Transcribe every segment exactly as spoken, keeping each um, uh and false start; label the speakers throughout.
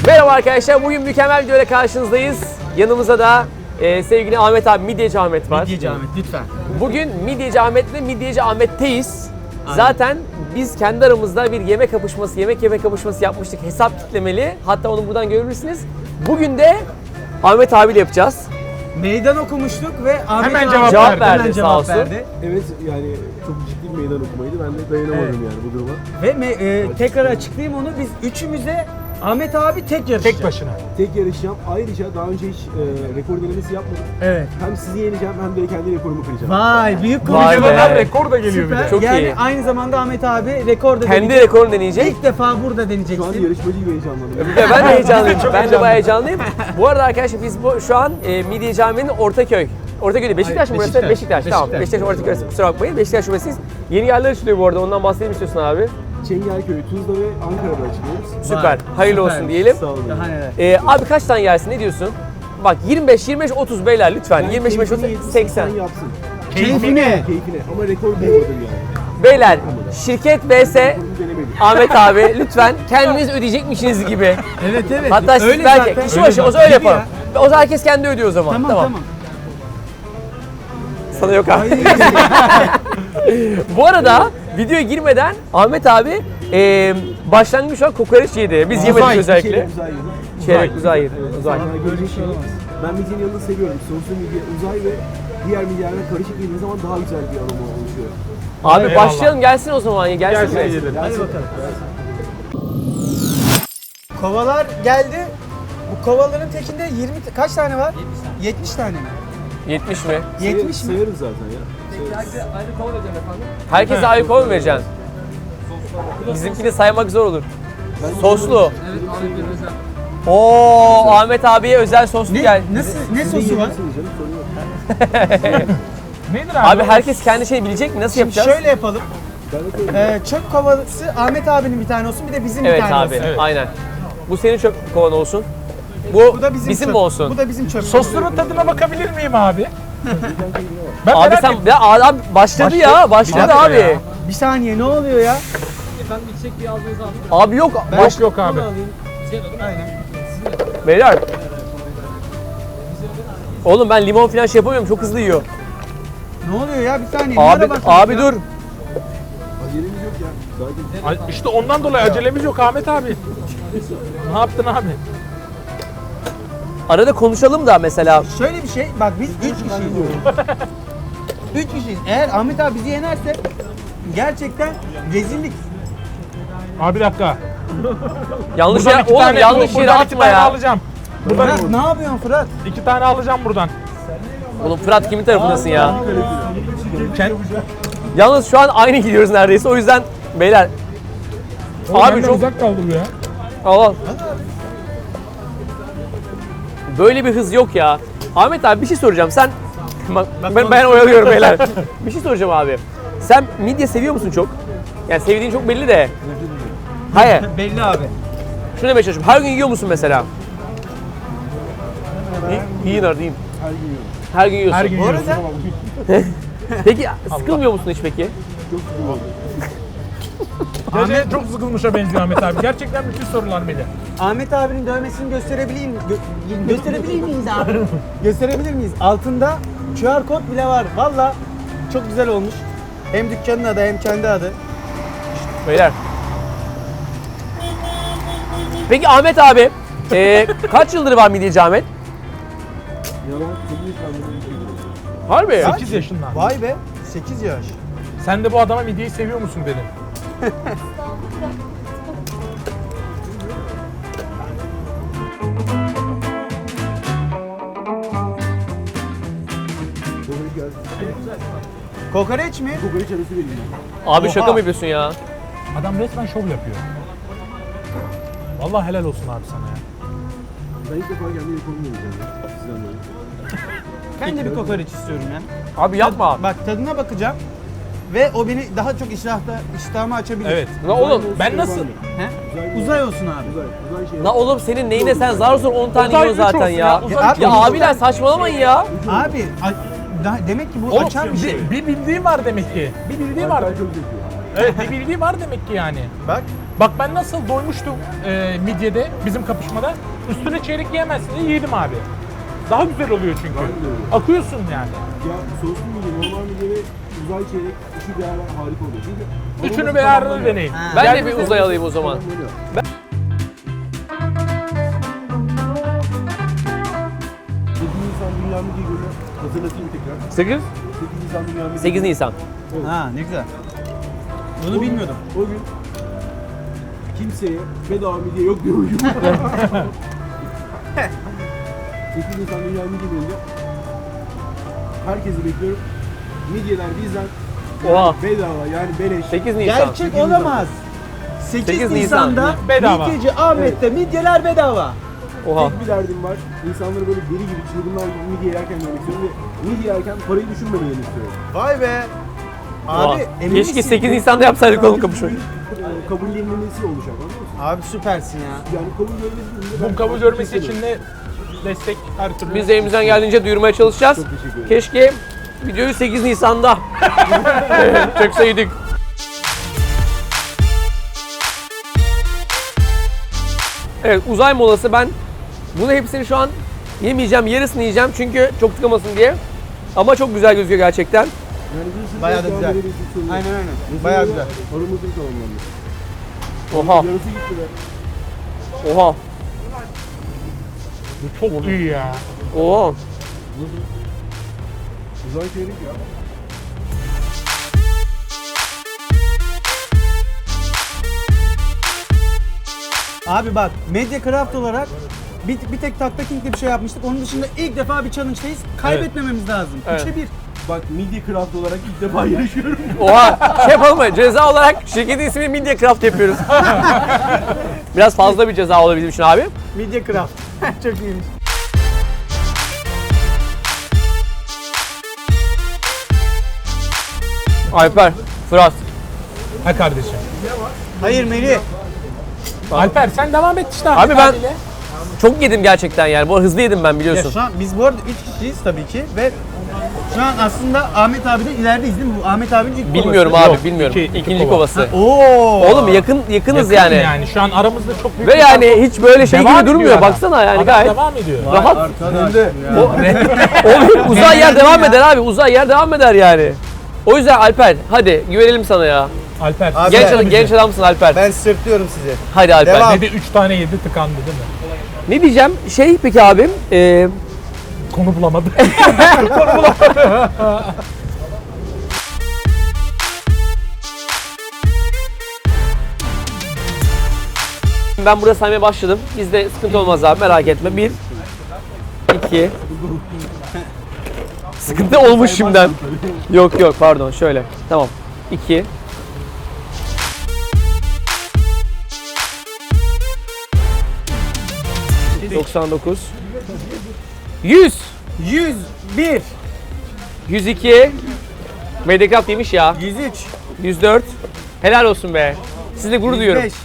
Speaker 1: Merhaba arkadaşlar, bugün mükemmel bir videoyla karşınızdayız. Yanımızda da e, sevgili Ahmet abi, Midyeci Ahmet var.
Speaker 2: Midyeci Ahmet lütfen.
Speaker 1: Bugün Midyeci Ahmet'le Midyeci Ahmet'teyiz. Zaten biz kendi aramızda bir yemek kapışması, yemek yemek kapışması yapmıştık. Hesap kitlemeli. Hatta onu buradan görebilirsiniz. Bugün de Ahmet abiyle yapacağız.
Speaker 2: Meydan okumuştuk ve Ahmet
Speaker 3: Hemen
Speaker 2: abi
Speaker 3: cevap
Speaker 1: Cevap
Speaker 3: verdi.
Speaker 1: verdi,
Speaker 2: Hemen
Speaker 1: sağ
Speaker 2: cevap
Speaker 1: olsun.
Speaker 2: verdi.
Speaker 4: Evet, yani çok ciddi bir meydan okumaydı. Ben de dayanamadım yani bu duruma.
Speaker 2: Ve me- e, tekrar açıklayayım onu. Biz üçümüz de Ahmet abi tek yarışacak.
Speaker 3: Tek başına.
Speaker 4: Tek yarışacağım. Ayrıca daha önce hiç e, rekor denemesi yapmadım.
Speaker 2: Evet.
Speaker 4: Hem sizi yeneceğim hem de kendi rekorumu kıracağım.
Speaker 2: Vay büyük
Speaker 1: Vay
Speaker 2: konuşma.
Speaker 1: be.
Speaker 3: Videodan rekor da geliyor bir
Speaker 2: Süper.
Speaker 3: de.
Speaker 1: Çok
Speaker 2: yani
Speaker 1: iyi.
Speaker 2: aynı zamanda Ahmet abi rekor da
Speaker 1: Kendi
Speaker 2: deneyecek.
Speaker 1: rekorunu deneyecek.
Speaker 2: İlk defa burada
Speaker 4: Şu an
Speaker 2: deneyeceksin.
Speaker 4: yarışmacı gibi heyecanlandım.
Speaker 1: Ve ben de heyecanlıyım.
Speaker 3: Çok
Speaker 1: ben de
Speaker 3: heyecanlıyım.
Speaker 1: bayağı heyecanlıyım. Bu arada arkadaşlar biz bu, şu an e, Midyeci Ahmet'in Ortaköy. Ortaköy değil, Beşiktaş mı burası?
Speaker 3: Beşiktaş.
Speaker 1: Beşiktaş. Tamam.
Speaker 3: Beşiktaş.
Speaker 1: Beşiktaş Ortaköy arası. Kusura bakmayın. Beşiktaş şubesiyiz. Yeni yerler açılıyor bu arada. Ondan bahsedelim istiyorsun abi.
Speaker 4: Çengelköy, Tuzla ve Ankara'da açılıyoruz.
Speaker 1: Süper.
Speaker 2: Vay,
Speaker 1: Hayırlı
Speaker 2: süper.
Speaker 1: olsun diyelim.
Speaker 4: Sağ olun.
Speaker 2: Daha neler.
Speaker 1: Ee, abi kaç tane yersin? Ne diyorsun? Bak yirmi beş, yirmi beş, otuz beyler lütfen.
Speaker 4: Ben
Speaker 1: yirmi beş, yirmi beş,
Speaker 4: keyfini
Speaker 1: otuz,
Speaker 4: yedirsin,
Speaker 1: seksen.
Speaker 4: sen yapsın.
Speaker 2: Keyfine.
Speaker 4: Keyfine. Ama rekor bulmadım yani.
Speaker 1: Beyler şirket vs
Speaker 4: Rekorumu denemedim.
Speaker 1: Ahmet abi lütfen kendiniz ödeyecekmişsiniz gibi.
Speaker 2: Evet evet.
Speaker 1: Hatta siz
Speaker 2: Öyle
Speaker 1: belki
Speaker 2: zaten.
Speaker 1: kişi başı o zaman öyle
Speaker 2: Gibi ya.
Speaker 1: yapalım. O zaman herkes kendi ödüyor o zaman.
Speaker 2: Tamam tamam.
Speaker 1: Sana yok abi. Bu arada videoya girmeden Ahmet abi e, başlangıç şu an kokoreç yedi. Biz yemedik
Speaker 3: Uzay,
Speaker 1: özellikle.
Speaker 4: Şeyler güzel yedim.
Speaker 1: Çeyrek uzay yedi. Uzay.
Speaker 4: Bana görecek şey yok. Ben midyenin yanında seviyorum. Soslu midye, uzay ve diğer midyelerle karışık yediğiniz zaman daha güzel bir aroma oluşuyor.
Speaker 1: Abi
Speaker 3: Eyvallah.
Speaker 1: başlayalım gelsin o zaman. Gelsin.
Speaker 3: Gelsin
Speaker 1: gelsin.
Speaker 3: yiyelim.
Speaker 2: Hadi bakalım. Kovalar geldi. Bu kovaların tekinde yirmi t- kaç tane var? yetmiş tane mi?
Speaker 1: yetmiş mi?
Speaker 2: yetmiş mi?
Speaker 4: Sayarız zaten ya. Sayarız.
Speaker 1: Herkese ayrı kol mu vereceksin? Bizimkini saymak zor olur. Soslu. Oo Ahmet abiye özel soslu
Speaker 2: Ne,
Speaker 1: gel.
Speaker 2: nasıl, ne
Speaker 4: Siz de
Speaker 2: sosu var?
Speaker 4: yiyebilirsiniz canım, sorun yok.
Speaker 3: Nedir abi?
Speaker 1: Abi herkes kendi şeyini bilecek mi? Nasıl
Speaker 2: Şimdi
Speaker 1: yapacağız?
Speaker 2: şöyle yapalım.
Speaker 4: Ben de koyayım.
Speaker 2: Ee, çöp kovası Ahmet abinin bir tane olsun, bir de bizim
Speaker 1: Evet
Speaker 2: bir tane
Speaker 1: abi,
Speaker 2: olsun.
Speaker 3: Evet.
Speaker 1: aynen. Bu senin çöp kovan olsun. Bu,
Speaker 2: Bu da bizim,
Speaker 1: bizim
Speaker 2: çöp.
Speaker 1: mi olsun?
Speaker 2: Bu da bizim çöp.
Speaker 3: Sosların tadına bakabilir miyim abi? ben
Speaker 1: Abi
Speaker 3: merak
Speaker 1: sen
Speaker 3: ettim.
Speaker 1: ya abi başladı ya, başladı
Speaker 3: Bir dakika
Speaker 1: abi.
Speaker 3: ya.
Speaker 2: Bir saniye ne oluyor ya?
Speaker 1: Abi yok,
Speaker 3: Boş
Speaker 1: baş
Speaker 3: yok abi.
Speaker 2: Aynen.
Speaker 1: beyler. Oğlum ben limon falan şey yapamıyorum, çok hızlı yiyor.
Speaker 2: Ne oluyor ya? Bir saniye.
Speaker 1: Abi,
Speaker 2: nereye bakıyorsun
Speaker 1: abi
Speaker 2: ya?
Speaker 1: dur.
Speaker 4: Acelemiz yok ya. Daha
Speaker 3: Ay, İşte ondan dolayı acelemiz yok Ahmet abi. Ne yaptın abi?
Speaker 1: Arada konuşalım da mesela.
Speaker 2: Şöyle bir şey, bak biz üç kişiyiz. Üç kişiyiz. Eğer Ahmet abi bizi yenerse gerçekten rezillik.
Speaker 3: Abi bir dakika.
Speaker 1: Yanlış
Speaker 3: Buradan
Speaker 1: yere,
Speaker 3: iki
Speaker 1: oğlum
Speaker 3: tane,
Speaker 1: yanlış
Speaker 3: buradan
Speaker 1: yere
Speaker 3: iki
Speaker 1: atma
Speaker 3: tane
Speaker 1: ya.
Speaker 3: alacağım. Buradan
Speaker 2: Fırat ne yapıyorsun Fırat?
Speaker 3: iki tane alacağım buradan.
Speaker 1: Oğlum Fırat kimin tarafındasın ya?
Speaker 3: Kend-
Speaker 1: Yalnız şu an aynı gidiyoruz neredeyse, o yüzden beyler.
Speaker 3: Oğlum
Speaker 1: Abi
Speaker 3: benden
Speaker 1: çok
Speaker 3: uzak kaldı bu ya.
Speaker 1: al al. Böyle bir hız yok ya. Ahmet abi bir şey soracağım. Sen bak, ben, ben oyalıyorum beyler. Bir şey soracağım abi. Sen midye seviyor musun çok? Yani sevdiğin çok belli de. Hayır.
Speaker 2: Belli abi.
Speaker 1: Şunu demeye çalışıyorum. Her gün yiyor musun mesela? İyi- Yiyin artık yiyin.
Speaker 4: her gün yiyorum.
Speaker 1: Her gün yiyorsun.
Speaker 3: Her gün
Speaker 2: Bu
Speaker 3: yiyorsun.
Speaker 2: arada
Speaker 1: Peki sıkılmıyor musun hiç peki?
Speaker 4: Çok sıkılmadım.
Speaker 3: Ahmet çok sıkılmışa benziyor Ahmet abi. Gerçekten bütün sorular beni.
Speaker 2: Ahmet abinin dövmesini gösterebilir miyim? Gö- gösterebilir miyiz abi? Gösterebilir miyiz? Altında Q R kod bile var. Valla çok güzel olmuş. Hem dükkanın adı hem kendi adı.
Speaker 1: Beyler. Peki Ahmet abi, e, kaç yıldır var midyeci Ahmet?
Speaker 4: Yalan sekiz yaşlarında bir şey yiyorum.
Speaker 1: Harbi.
Speaker 3: sekiz yaşından.
Speaker 2: Vay be. sekiz yaş.
Speaker 3: Sen de bu adama midyeyi seviyor musun dedim.
Speaker 4: Kokoreç gelsin.
Speaker 2: Kokoreç mi?
Speaker 4: Kokoreç arası vereyim ben.
Speaker 1: Abi
Speaker 3: Oha.
Speaker 1: şaka mı yapıyorsun ya?
Speaker 3: Adam resmen şov yapıyor. Vallahi helal olsun abi sana ya.
Speaker 4: Ben ilk defa kendi rekorumu deneyeceğim ya. Sizden böyle.
Speaker 2: Ben de bir kokoreç istiyorum ya.
Speaker 1: Abi yapma.
Speaker 2: Bak tadına bakacağım. Ve o beni daha çok iştahta, iştahımı açabilir.
Speaker 3: Evet.
Speaker 1: La oğlum,
Speaker 3: Ben nasıl?
Speaker 2: He?
Speaker 4: Uzay,
Speaker 2: Uzay olsun abi.
Speaker 4: Uzay. Uzay şey.
Speaker 1: la oğlum senin neyine sen zar zor on tane
Speaker 3: Uzay
Speaker 1: yiyorsun
Speaker 3: üç
Speaker 1: zaten
Speaker 3: olsun
Speaker 1: ya.
Speaker 3: ya, uzay
Speaker 1: Ya,
Speaker 2: üç olsun.
Speaker 1: abiler saçmalamayın ya.
Speaker 2: Abi a- da- demek ki bu
Speaker 3: Oğlum
Speaker 2: açar bir şey.
Speaker 3: bir, bir bildiği var demek ki. Bir bildiği var.
Speaker 4: Ben çok zevkli.
Speaker 3: Evet bir bildiği var demek ki yani.
Speaker 2: Bak
Speaker 3: Bak ben nasıl doymuştum e, midyede bizim kapışmada. Üstüne çeyrek yiyemezsin diye yedim abi. Daha güzel oluyor çünkü.
Speaker 4: Ben de öyle.
Speaker 3: Akıyorsun yani.
Speaker 4: Ya soslu midye, normal midye ve uzay çeyrek üçü beraber harika oluyor. Çünkü
Speaker 3: Üçünü
Speaker 4: aroması
Speaker 3: bir arada
Speaker 4: tamamlanıyor.
Speaker 3: deneyin.
Speaker 1: Ben de
Speaker 3: Geldiğinizde-
Speaker 1: bir uzay alayım o zaman.
Speaker 4: Tamamlanıyor. sekiz Nisan Dünya Midye Günü hatırlatayım tekrar.
Speaker 1: sekiz?
Speaker 4: sekiz Nisan Dünya Midye
Speaker 1: sekiz
Speaker 4: Günü.
Speaker 1: Nisan.
Speaker 2: Ha ne güzel.
Speaker 4: O
Speaker 2: Bunu
Speaker 4: gün-
Speaker 2: bilmiyordum.
Speaker 4: O gün kimseye bedava midye yok diyormuşum. sekiz Nisan Dünya Midye Günü'nde herkesi bekliyorum. Midyeler bizden
Speaker 1: Oha.
Speaker 4: bedava yani beleş.
Speaker 1: sekiz Nisan.
Speaker 2: Gerçek olamaz. sekiz,
Speaker 1: sekiz
Speaker 2: Nisan'da
Speaker 3: Nisan. Bedava.
Speaker 2: Midyeci Ahmet'te midyeler bedava.
Speaker 1: Oha.
Speaker 4: Tek bir derdim var. İnsanları böyle deli gibi çılgınlar gibi midye yerken görmek istiyorum ve midye yerken parayı düşünmemelerini istiyorum.
Speaker 2: Vay be.
Speaker 1: Oha.
Speaker 2: Abi emin
Speaker 1: Keşke
Speaker 2: misin?
Speaker 1: sekiz Nisan'da yapsaydık oğlum kapışmayı.
Speaker 4: Ee, kabullenilmesi olacak anlıyor musun?
Speaker 2: Abi süpersin ya.
Speaker 4: Yani kabul görmesi için de ben
Speaker 3: Bu kabul
Speaker 4: çok
Speaker 3: görmesi
Speaker 4: isterim.
Speaker 3: için de destek her türlü.
Speaker 1: Biz de elimizden geldiğince duyurmaya çalışacağız.
Speaker 4: Çok teşekkür ederim.
Speaker 1: Keşke videoyu sekiz Nisan'da çekseydik. Evet, uzay molası. Ben bunu hepsini şu an yemeyeceğim, yarısını yiyeceğim çünkü çok tıkamasın diye. Ama çok güzel gözüküyor gerçekten.
Speaker 4: Yani bir sürü
Speaker 2: Bayağı da
Speaker 4: devam
Speaker 2: güzel.
Speaker 4: edebiliriz sorun yok.
Speaker 2: Aynen aynen.
Speaker 4: Mesela
Speaker 2: Bayağı güzel.
Speaker 4: Aramızın tamamlandı.
Speaker 1: Oha,
Speaker 4: Yarısı gitti be.
Speaker 1: oha,
Speaker 3: Bu çok iyi ya.
Speaker 1: oha.
Speaker 4: Uzay çeyrek ya.
Speaker 2: Abi bak Media Craft olarak bir, bir tek Takta King'de bir şey yapmıştık. Onun dışında ilk defa bir challenge'dayız. Kaybetmememiz lazım.
Speaker 1: Evet.
Speaker 2: üçe bir.
Speaker 4: Bak midye craft olarak ilk defa yarışıyorum.
Speaker 1: Oha, şey yapalım mı? Ceza olarak şirketin ismini Media Craft yapıyoruz. Biraz fazla bir ceza olur bizim için abi.
Speaker 2: Media Craft. Çok iyiymiş.
Speaker 1: Alper, Fırat.
Speaker 3: Ha kardeşim.
Speaker 2: Hayır Melih.
Speaker 3: Alper sen devam et işte.
Speaker 1: Abi
Speaker 3: Ahmet
Speaker 1: ben-
Speaker 3: abiyle.
Speaker 1: Çok yedim gerçekten yani. Bu hızlı yedim ben
Speaker 2: Ya
Speaker 1: biliyorsun.
Speaker 2: şu an biz bu arada üç kişiyiz tabii ki ve şu an aslında Ahmet abiden ilerideyiz değil mi? Bu Ahmet abinin ilk
Speaker 1: Bilmiyorum
Speaker 2: kovası.
Speaker 1: abi,
Speaker 3: Yok,
Speaker 1: bilmiyorum.
Speaker 3: iki- iki
Speaker 1: İkinci
Speaker 3: kova.
Speaker 1: kovası.
Speaker 2: Oo.
Speaker 1: Oğlum yakın yakınız
Speaker 3: Yakın
Speaker 1: yani.
Speaker 3: yani. Şu an aramızda çok büyük
Speaker 1: Ve
Speaker 3: bir fark
Speaker 1: yani
Speaker 3: yok.
Speaker 1: hiç böyle şey
Speaker 3: Devam
Speaker 1: gibi
Speaker 3: ediyor
Speaker 1: durmuyor.
Speaker 3: adam.
Speaker 1: Baksana yani
Speaker 3: Adam
Speaker 1: gayet
Speaker 3: devam ediyor.
Speaker 1: rahat.
Speaker 2: Arkadaş
Speaker 4: de.
Speaker 2: ya.
Speaker 1: O, uzay yer devam eder abi. Uzay yer devam eder yani. O yüzden Alper hadi güvenelim sana ya.
Speaker 3: Alper.
Speaker 2: Abi
Speaker 1: Genç
Speaker 2: ben-
Speaker 1: adam, genç adamsın Alper.
Speaker 2: Ben sırtlıyorum sizi.
Speaker 1: Hadi Alper.
Speaker 2: Devam.
Speaker 3: Dedi üç tane yedi tıkandı değil mi?
Speaker 1: Ne diyeceğim? Şey peki abim, e,
Speaker 3: Konu bulamadı.
Speaker 1: ben burada saymaya başladım. Bizde sıkıntı olmaz abi merak etme. Bir, iki. Sıkıntı olmuş şimdiden. Yok yok pardon şöyle. Tamam. İki. doksan dokuz. yüz.
Speaker 2: yüz bir.
Speaker 1: yüz iki. Mediacraft yemiş ya.
Speaker 2: yüz üç.
Speaker 1: yüz dört. Helal olsun be. Sizle gurur duyuyorum.
Speaker 2: yüz beş.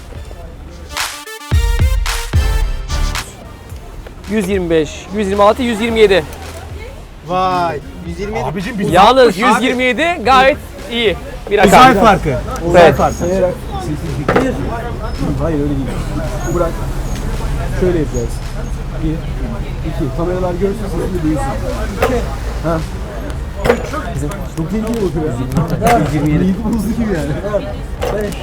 Speaker 1: yüz yirmi beş, yüz yirmi altı, yüz yirmi yedi.
Speaker 2: Vay. yüz yirmi yedi.
Speaker 3: Abicim biz
Speaker 1: Yalnız yüz yirmi yedi gayet iyi bir rakam.
Speaker 2: Uzay farkı. Uzay
Speaker 1: Evet.
Speaker 2: farkı.
Speaker 4: Sayarak sessizlik. Hayır öyle değil. Bırak. Şöyle yapacağız. Bir, iki. Kameralar görsün sesini duysun. İki. Ha. Üç. Çok tehlikeli bakıyor ya. yüz yirmi yedi. Yiğit buzlu gibi yani. Beş.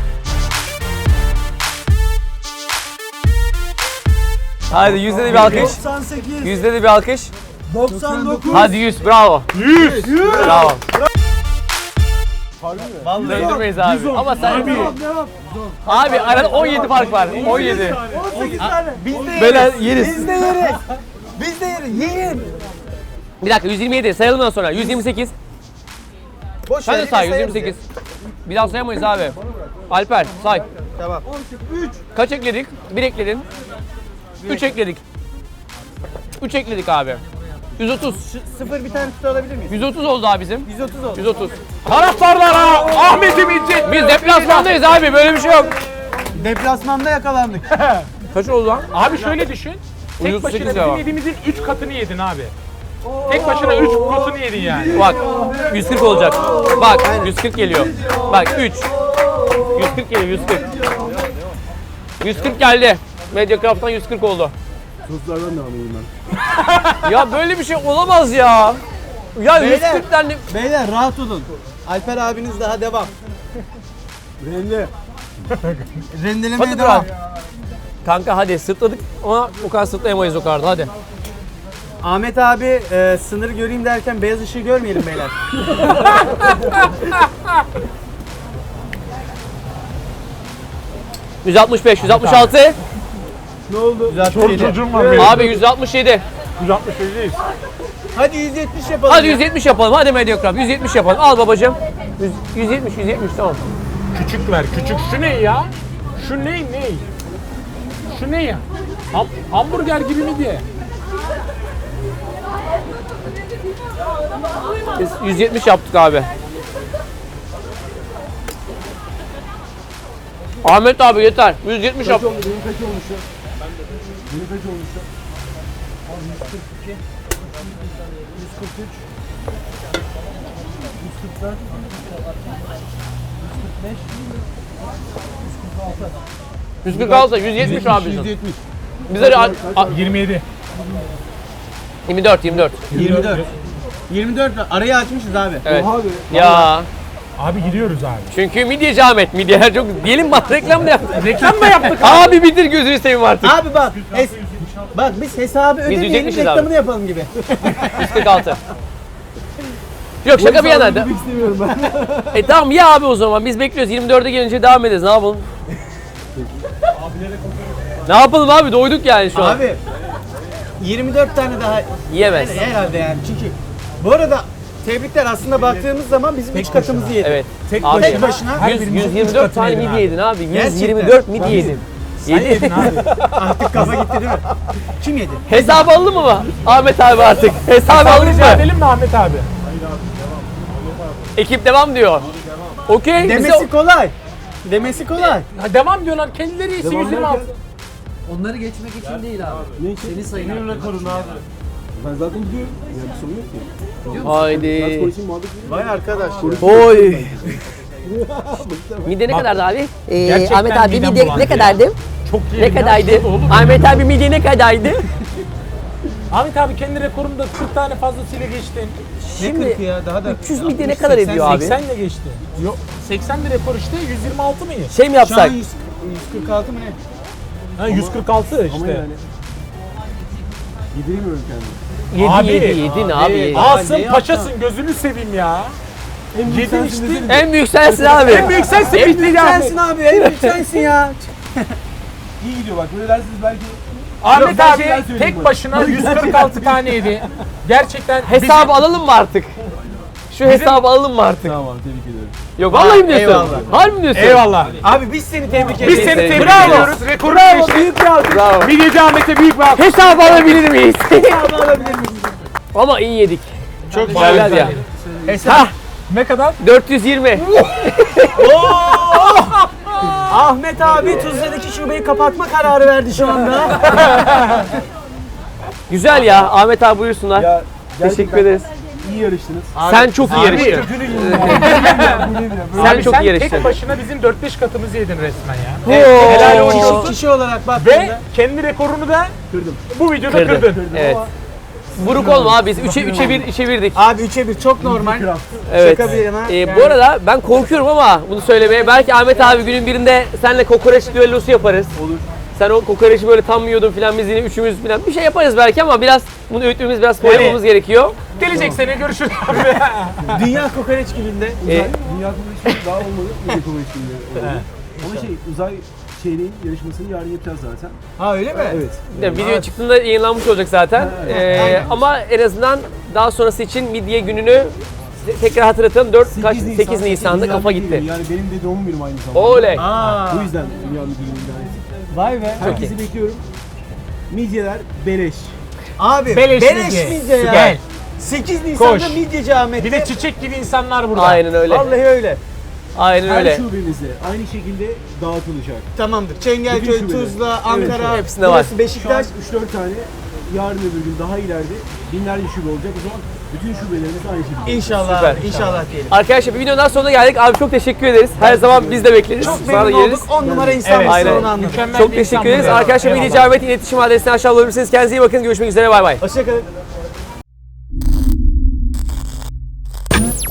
Speaker 1: Hadi yüzde de bir alkış.
Speaker 2: doksan sekiz.
Speaker 1: Yüzde de bir alkış.
Speaker 2: doksan dokuz.
Speaker 1: Hadi yüz bravo. yüz. Bravo.
Speaker 2: Vallahi.
Speaker 1: Döndürmeyiz abi. Ama sen abi arada on yedi fark var. on yedi.
Speaker 2: on sekiz tane. Biz de
Speaker 1: Böyle
Speaker 2: yeriz.
Speaker 1: yeriz.
Speaker 2: Biz de yeriz. Biz de yeriz. Yiyin.
Speaker 1: Bir dakika yüz yirmi yedi sayalım ondan sonra. yüz yirmi sekiz.
Speaker 2: Boş
Speaker 1: Sen
Speaker 2: ver,
Speaker 1: de
Speaker 2: yine
Speaker 1: say yüz
Speaker 2: sayarız
Speaker 1: yirmi sekiz. Bir daha sayamayız abi. Alper say.
Speaker 2: ya. Tamam.
Speaker 1: Kaç ekledik? bir ekledin. üç ekledik. üç ekledik abi. yüz otuz.
Speaker 2: Sıfır bir tane tutu alabilir miyiz?
Speaker 1: yüz otuz oldu abi bizim.
Speaker 2: yüz otuz oldu.
Speaker 1: yüz otuz.
Speaker 3: taraftarlara Ahmet'im İzzet.
Speaker 1: Biz deplasmandayız abi böyle bir şey yok.
Speaker 2: Deplasmanda yakalandık.
Speaker 1: Kaç oldu lan?
Speaker 3: Abi şöyle düşün. Tek
Speaker 1: yüz
Speaker 3: başına
Speaker 1: sekiz
Speaker 3: bizim
Speaker 1: ya.
Speaker 3: yediğimizin üç katını yedin abi. Tek başına üç katını yedin yani.
Speaker 1: Bak yüz kırk olacak. Bak yüz kırk geliyor. Bak üç. yüz kırk geliyor yüz kırk. yüz kırk geldi. Mediacraft'tan yüz kırk oldu.
Speaker 4: Soslardan devam edeyim ben.
Speaker 1: Ya böyle bir şey olamaz ya. Ya yüz
Speaker 2: Beyler.
Speaker 1: kırk tane.
Speaker 2: Beyler rahat olun. Alper abiniz daha devam.
Speaker 4: Rende.
Speaker 2: Rendelemeye
Speaker 1: Hadi
Speaker 2: devam.
Speaker 1: bırak. Kanka hadi sırtladık ama o kadar sırtlayamayız o kadar hadi.
Speaker 2: Ahmet abi e, sınırı göreyim derken beyaz ışığı görmeyelim beyler.
Speaker 1: yüz altmış beş, yüz altmış altı.
Speaker 4: Ne oldu?
Speaker 3: Çor çocuğum var benim.
Speaker 1: Abi yüz altmış yedi.
Speaker 3: yüz altmış beş'deyiz.
Speaker 2: Hadi yüz yetmiş yapalım.
Speaker 1: Hadi
Speaker 2: ya.
Speaker 1: yüz yetmiş yapalım. Hadi Mediacraft yüz yetmiş yapalım. Al babacığım. yüz, yüz yetmiş, yüz yetmiş tamam.
Speaker 3: Küçük ver, küçük. Şu ne ya? Şu ne, ne? Şu ne ya? Ham, hamburger gibi mi diye?
Speaker 1: Biz yüz yetmiş yaptık abi. Ahmet abi yeter. yüz yetmiş yap.
Speaker 4: Kaç oldu? Benim kaç olmuş ya? Benim kaç olmuş ya? yüz kırk iki. yüz kırk üç. yüz kırk dört. yüz kırk beş.
Speaker 1: yüz kırk altı, yüz yetmiş abi bizim.
Speaker 4: yüz yetmiş.
Speaker 1: Bize a- a-
Speaker 3: yirmi yedi.
Speaker 1: yirmi dört, yirmi dört.
Speaker 2: yirmi dört. yirmi dört arayı açmışız abi.
Speaker 1: Evet.
Speaker 4: Oha abi.
Speaker 1: Ya
Speaker 3: Abi gidiyoruz abi.
Speaker 1: çünkü midyeci Ahmet. Midyeler çok diyelim bak reklam da yaptık.
Speaker 3: Reklam mı yaptık?
Speaker 1: Abi bitir gözünü seveyim artık.
Speaker 2: Abi bak. Es bak biz hesabı ödemeyelim
Speaker 1: yetmişiz abi.
Speaker 2: reklamını yapalım gibi.
Speaker 1: yüz kırk altı. Yok şaka bir yana.
Speaker 4: Bilmek istemiyorum ben.
Speaker 1: E tamam ya abi o zaman biz bekliyoruz. yirmi dörde gelince devam ederiz. Ne yapalım? Ne yapalım abi? Doyduk yani şu an.
Speaker 2: Abi yirmi dört tane daha
Speaker 1: Yiyemez.
Speaker 2: herhalde yani çünkü bu arada tebrikler aslında baktığımız zaman bizim üç katımızı yedi.
Speaker 1: Evet.
Speaker 3: Tek
Speaker 1: Abi,
Speaker 2: Tek başına
Speaker 3: Her
Speaker 1: yüz,
Speaker 3: birimiz
Speaker 1: yüz
Speaker 3: üç
Speaker 1: yirmi dört
Speaker 3: katını
Speaker 1: tane
Speaker 3: yedin
Speaker 1: midye
Speaker 3: abi.
Speaker 1: yedin abi. yüz
Speaker 2: Gerçekten.
Speaker 1: yirmi dört midye yedin.
Speaker 3: Sen yedin abi.
Speaker 2: artık kafa gitti değil mi? Kim yedi?
Speaker 1: Hesabı alalım mı Ahmet abi artık? Hesabı alalım
Speaker 3: Rica
Speaker 1: mı?
Speaker 3: edelim mi Ahmet abi?
Speaker 1: Ekip devam diyor. Okey. bize-
Speaker 2: Demesi kolay. Demesi kolay.
Speaker 3: Ha, devam diyorlar. Kendileri iyisi yüz yirmi altı.
Speaker 5: Onları geçmek için değil abi.
Speaker 4: Ne için?
Speaker 5: Seni sayın.
Speaker 4: rekorun abi. Ben zaten gidiyorum. Yani bir sorun yok ki. Biraz
Speaker 1: Haydi.
Speaker 4: konuşayım muhabbet edeyim.
Speaker 2: Vay arkadaş.
Speaker 1: Oy. Midye ne kadardı abi? Ee,
Speaker 3: Gerçekten
Speaker 1: Ahmet abi
Speaker 3: midem
Speaker 1: midye
Speaker 3: bulandı
Speaker 1: ne
Speaker 3: ya.
Speaker 1: kadardı?
Speaker 3: Çok iyi.
Speaker 1: Ne kadardı? Ahmet abi midye ne kadardı?
Speaker 3: Ahmet abi kendi rekorunda kırk tane fazlasıyla geçtin.
Speaker 1: Şimdi
Speaker 2: kırkı ya daha da.
Speaker 1: üç yüz midye ne kadar ediyor abi?
Speaker 3: seksen ile geçti. Yok seksen bir rekor işte yüz yirmi altı mı?
Speaker 1: Şey mi
Speaker 2: Şu an
Speaker 1: yapsak?
Speaker 2: yüz, yüz kırk altı mı ne?
Speaker 3: Ha, yüz kırk altı
Speaker 4: Ama
Speaker 3: işte.
Speaker 4: yani. Yediremiyorum kendimi.
Speaker 1: Yedi
Speaker 3: Abi,
Speaker 1: yedi yedin abi. yedin.
Speaker 3: Asım
Speaker 2: ne
Speaker 3: paşasın gözünü seveyim ya.
Speaker 4: En büyük
Speaker 3: Yedin
Speaker 4: sensin
Speaker 3: işte.
Speaker 4: dedim.
Speaker 1: En büyük sensin abi.
Speaker 3: En büyük sensin
Speaker 1: En
Speaker 3: bitti
Speaker 1: büyük
Speaker 3: ya.
Speaker 2: Sensin abi, en büyük sensin ya.
Speaker 4: İyi gidiyor bak. Böyle dersiniz belki.
Speaker 3: Ahmet
Speaker 4: Yok, ben
Speaker 3: abi
Speaker 4: şeyler söyleyeyim
Speaker 3: tek
Speaker 4: bana.
Speaker 3: başına yüz kırk altı tane yedi. Gerçekten
Speaker 1: Hesabı alalım mı artık? Şu hesabı alalım mı artık?
Speaker 4: Tamam abi tebrik ederim.
Speaker 1: Yok vallahi mi diyorsun?
Speaker 2: eyvallah.
Speaker 1: Harbi mi diyorsun?
Speaker 3: Eyvallah.
Speaker 2: Abi biz seni tebrik
Speaker 3: Biz
Speaker 2: ederiz.
Speaker 3: seni
Speaker 1: Bravo.
Speaker 3: tebrik ediyoruz. Rekoru geçti.
Speaker 2: Büyük bir alkış.
Speaker 1: Bravo.
Speaker 3: Midyeci Ahmet'e büyük bir alkış.
Speaker 1: Hesabı alabilir miyiz?
Speaker 2: alabilir miyiz?
Speaker 1: Ama iyi yedik.
Speaker 2: Çok
Speaker 1: Güzeller ya.
Speaker 2: Hesap.
Speaker 3: Ne kadar?
Speaker 1: dört yüz yirmi.
Speaker 2: Ahmet abi Tuzla'daki şubeyi kapatma kararı verdi şu anda.
Speaker 1: Güzel ya. Ahmet abi buyursunlar.
Speaker 4: Ya
Speaker 1: Teşekkür
Speaker 4: gerçekten
Speaker 1: ederiz.
Speaker 4: iyi yarıştınız.
Speaker 1: Sen çok iyi yarıştın.
Speaker 4: Kötünü yiyeyim ya. Bu ne ya?
Speaker 1: Sen
Speaker 3: Abi
Speaker 1: çok
Speaker 3: sen
Speaker 1: iyi yarıştın.
Speaker 3: tek başına bizim dört beş katımızı yedin resmen ya.
Speaker 1: Oo.
Speaker 3: Helal
Speaker 2: Kişi,
Speaker 3: olsun.
Speaker 2: kişi olarak
Speaker 3: Ve
Speaker 2: baktığında.
Speaker 3: kendi rekorunu da
Speaker 4: Kırdım.
Speaker 3: bu videoda
Speaker 1: Kırdın.
Speaker 3: kırdın.
Speaker 1: Evet. Buruk olma abi. Biz üçe üçe bir işe birdik.
Speaker 2: Abi üçe bir çok normal.
Speaker 1: Evet.
Speaker 2: Şaka bir yana.
Speaker 1: Ee, bu arada ben korkuyorum ama bunu söylemeye. Belki Ahmet abi günün birinde seninle kokoreç düellosu yaparız.
Speaker 4: Olur.
Speaker 1: Sen o kokoreçi böyle tam yiyordun filan, biz yine üçümüz filan bir şey yaparız belki ama biraz bunu öğütmemiz, biraz koyamamız gerekiyor.
Speaker 3: Gelecek sene görüşürüz abi.
Speaker 2: Dünya kokoreç gününde.
Speaker 1: Ee,
Speaker 4: Uzay, dünya konuşması daha olmadı. Dünya konuşması. Ama şey uzay şeyinin yarışmasını yarın yapacağız zaten.
Speaker 2: Ha öyle mi?
Speaker 4: Evet.
Speaker 1: de video çıktığında yayınlanmış olacak zaten.
Speaker 4: Evet.
Speaker 1: Ee,
Speaker 2: Aynen.
Speaker 1: ama en azından daha sonrası için midye gününü tekrar hatırlatalım. dört kaç sekiz Nisan'da
Speaker 4: Dünya
Speaker 1: kafa
Speaker 4: Midye
Speaker 1: gitti.
Speaker 4: Günü. Yani benim de doğum günüm aynı zamanda.
Speaker 1: Oley.
Speaker 2: Aa.
Speaker 4: Bu yüzden Dünya Midye Günü'nden.
Speaker 2: Vay be.
Speaker 4: Herkesi bekliyorum. Midyeler beleş.
Speaker 2: Abi
Speaker 3: Beleş
Speaker 2: beleş,
Speaker 3: midye.
Speaker 2: midye ya.
Speaker 3: Gel.
Speaker 2: sekiz Nisan'da
Speaker 3: Koş.
Speaker 2: midyeci Ahmet'te.
Speaker 3: Bir de çiçek gibi insanlar burada.
Speaker 1: Aynen öyle.
Speaker 2: Vallahi öyle.
Speaker 1: Aynen
Speaker 4: Her
Speaker 1: öyle.
Speaker 4: şubemizde aynı şekilde dağıtılacak.
Speaker 2: Tamamdır.
Speaker 4: Bütün
Speaker 2: Çengelköy,
Speaker 4: şubeler.
Speaker 2: Tuzla,
Speaker 4: Evet,
Speaker 2: Ankara,
Speaker 1: hepsinde var.
Speaker 2: burası
Speaker 4: Şu an
Speaker 2: Beşiktaş.
Speaker 4: üç dört tane yarın öbür gün daha ileride binlerce şube olacak. O zaman bütün şubelerimiz aynı şekilde.
Speaker 2: İnşallah,
Speaker 1: Süper.
Speaker 2: inşallah diyelim.
Speaker 1: Arkadaşlar bir videonun daha sonuna geldik. Abi çok teşekkür ederiz. Her zaman biz de bekleriz.
Speaker 2: Çok
Speaker 1: Sana da
Speaker 2: memnun
Speaker 1: geliriz.
Speaker 2: olduk. on numara insan
Speaker 3: Evet,
Speaker 2: mısın
Speaker 1: aynen.
Speaker 2: onu anladım.
Speaker 3: Mükemmel
Speaker 1: Çok
Speaker 3: bir
Speaker 1: teşekkür
Speaker 3: insan bu
Speaker 1: ederiz.
Speaker 3: ya.
Speaker 1: Arkadaşlar
Speaker 3: Eyvallah.
Speaker 1: Melih Camet'in iletişim adresini aşağı bulabilirsiniz. Kendinize iyi bakın. Görüşmek üzere. Bay bay.
Speaker 2: Hoşçakalın.